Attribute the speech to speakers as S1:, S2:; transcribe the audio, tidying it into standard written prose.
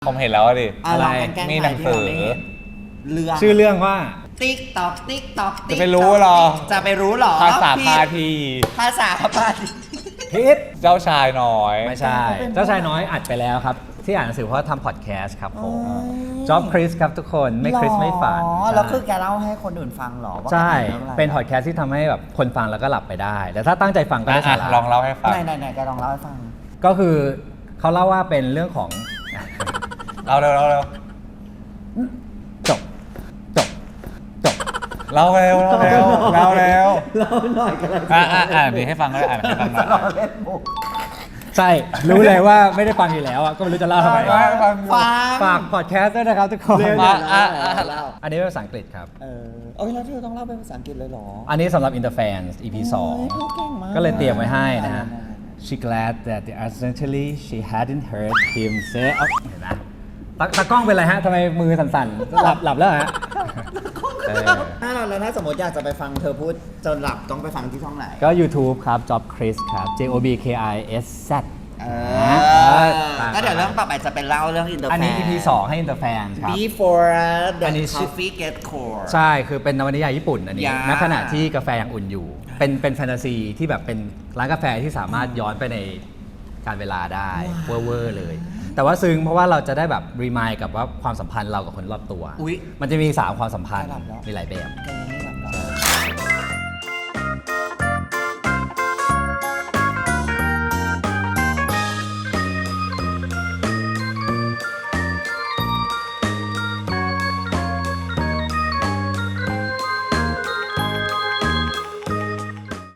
S1: ผมเห็นแล้วดิ
S2: อะไร
S1: มีหนังสือ
S2: เรื่อง
S3: ชื่อเรื่องว่า
S2: ติ๊กตอกติ๊กตอก
S1: จะไปรู้เหรอ
S2: จะไปรู้เหรอ
S1: ภาษาพาที
S2: ภาษาพาที
S3: พิษ
S1: เจ้าชายน้อย
S3: ไม่ใช่ เจ้าชายน้อยอัดไปแล้วครับ ที่อ่านหนังสือเพราะทำพอดแคสต์ครับผมจ็อบคริสครับทุกคนไม่คริสไม่ฝัน
S2: อ๋อแล้วคือแกเล่าให้คนอื่นฟังเหรอว่า
S3: ใช่
S2: แกทำรื่องอะไร
S3: เป็นพอดแคสต์ที่ทำให้แบบคนฟังแล้วก็หลับไปได้ แต่ถ้าตั้งใจฟังก็ได้สาระ
S1: ลองเล่าให้ฟัง
S2: ไหนแกลองเล่าให้ฟัง
S3: ก็คือเขาเล่าว่าเป็นเรื่องของ
S1: เล่าเร็ว
S3: จบจบจบ
S1: เล่าเร็วเล่าเร็ว
S2: เล่าหน่อยกันเลย
S1: อ่านดีให้ฟังก็ได้อ่านให้ฟังหน่อย
S2: เล่นมุก
S3: ใช่รู้เลยว่าไม่ได้ฟังอยู่แล้วอะก็ไม่รู้จะเล่าทำไม
S1: ฟัง
S3: ฝากพอดแคสต์ด้วยนะครับทุกคน
S2: เล่าเล่า
S3: อันนี้เป็นภาษาอังกฤษครับ
S2: โอ้ยแล้วเธอต้องเล่าเป็นภาษาอังกฤษเลยเหรอ
S3: อันนี้สำหรับ Interfans EP
S2: โอ้ยเขาเก่งมาก
S3: 2 ก็เลยเตรียมไว้ให้นะฮะ
S2: ได้
S3: She glad that accidentally she hadn't heard him say เห็นไหมตากล้องเป็นไรฮะทำไมมือสั่นๆ หลับแล้วเหรอฮะเออ
S2: ถ้าเราแล้วถ้าสมมติอยากจะไปฟังเธอพูดจนหลับต้องไปฟังที่ช่องไหน
S3: ก็ YouTube ครับ Job Chris ครับ JOBKIS Z
S2: ก็เดี๋ยวเรื่องต่อไปจะเป็นเล่าเรื่องอินเตอร์แฟน
S3: อันนี้ EP 2 ให้ Interfans ครับ
S2: Before
S3: อั
S2: the
S3: นนี้ชื่อ
S2: coffee get cold
S3: ใช่ คือเป็นนวนิยายญี่ปุ่นอันนี้
S2: ยา
S3: ณขณะที่กาแฟยังอุ่นอยู่ เป็นแฟนตาซีที่แบบเป็นร้านกาแฟที่สามารถย้อนไปในการเวลาได้เวอร์เลย แต่ว่าซึ้งเพราะว่าเราจะได้แบบรีมายกับว่าความสัมพันธ์เรากับคนรอบตัว
S2: อุ๊ย
S3: มันจะมี 3 ความสัมพันธ์
S2: สลับแล้ว
S3: มีหลายแบบ
S2: แก